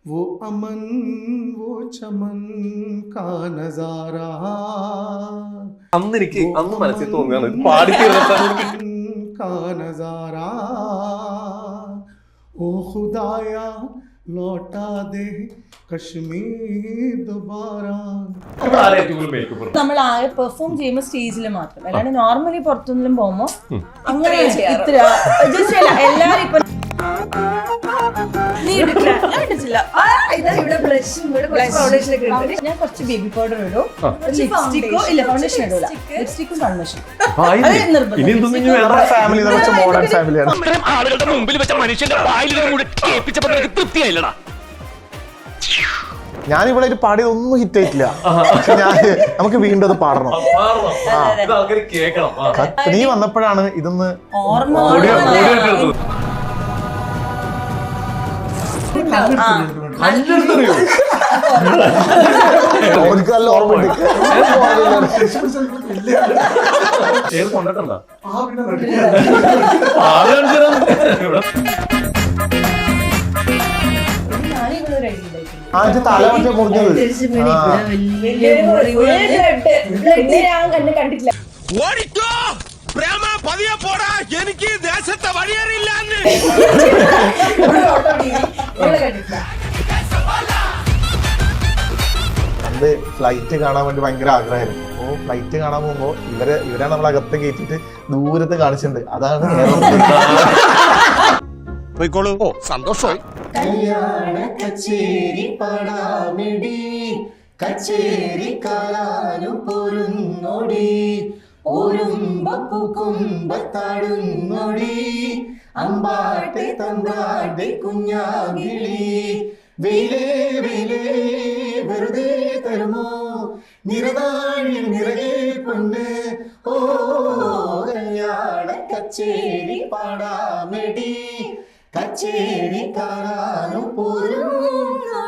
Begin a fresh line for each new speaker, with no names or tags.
वो अमन वो चमन का नजारा
അന്ന് എനിക്ക് അന്ന് മനസ്സിൽ തോന്നുകയാണ് ഇത് പാടി തീർന്നപ്പോൾ
का नजारा ओ खुदाया लौटा दे कश्मीर दोबारा.
നമ്മൾ ആകെ പെർഫോം ചെയ്യുമ്പോൾ സ്റ്റേജിൽ മാത്രം, അല്ലാണ്ട് നോർമലി പുറത്തുനിന്നും പോകുമ്പോ അങ്ങനെ എല്ലാരും ഇപ്പൊ ഞാൻ കുറച്ച് ബേബി പൗഡർ ഇടും, ലിപ്സ്റ്റിക്കോ ഇല്ല ഫൗണ്ടേഷൻ ഇടൂല, ലിപ്സ്റ്റിക്കും കൺവെൻഷൻ
ഫാമിലി മോഡേൺ ഫാമിലിയാണ്.
ആളുകളുടെ മുമ്പിൽ വെച്ച മനുഷ്യന്റെ കേൾപ്പിച്ചപ്പോ തൃപ്തിയായില്ലടാ.
ഞാനിവിടെ ഒരു പാടിയതൊന്നും ഹിറ്റ് ആയിട്ടില്ല, പക്ഷെ നമുക്ക് വീണ്ടും അത് പാടണം. നീ വന്നപ്പോഴാണ് ഇതൊന്ന്
ഓർമ്മ
ആദ്യം തല മറ്റേ മുറിഞ്ഞത്
കണ്ടിട്ടില്ല.
എനിക്ക് ദേശത്തെ വഴിയറിയില്ല.
അത് ഫ്ലൈറ്റ് കാണാൻ വേണ്ടി ഭയങ്കര ആഗ്രഹമായിരുന്നു. അപ്പോൾ ഫ്ലൈറ്റ് കാണാൻ പോകുമ്പോൾ ഇവരാണ് നമ്മൾ അകത്ത് കയറ്റിട്ട് ദൂരത്ത് കാണിച്ചിട്ടുണ്ട്. അതാണ്
സന്തോഷമായി.
കല്യാണ കച്ചേരി പാടാമിടി കച്ചേരി കാലാനും പൊരുന്നോടി ഓരുമ്പൂക്കുമ്പത്താടുന്നോടി അമ്പാട്ടെ തമ്പാട്ടെ കുഞ്ഞാകിളി വെയിലേ വെയിലേ വെറുതെ തരുമോ നിറനാഴിൽ നിറയെ പൊന്ന് ഓ കല്യാണ കച്ചേരി പാടാമെടി കച്ചേരി കാണാനും പോരും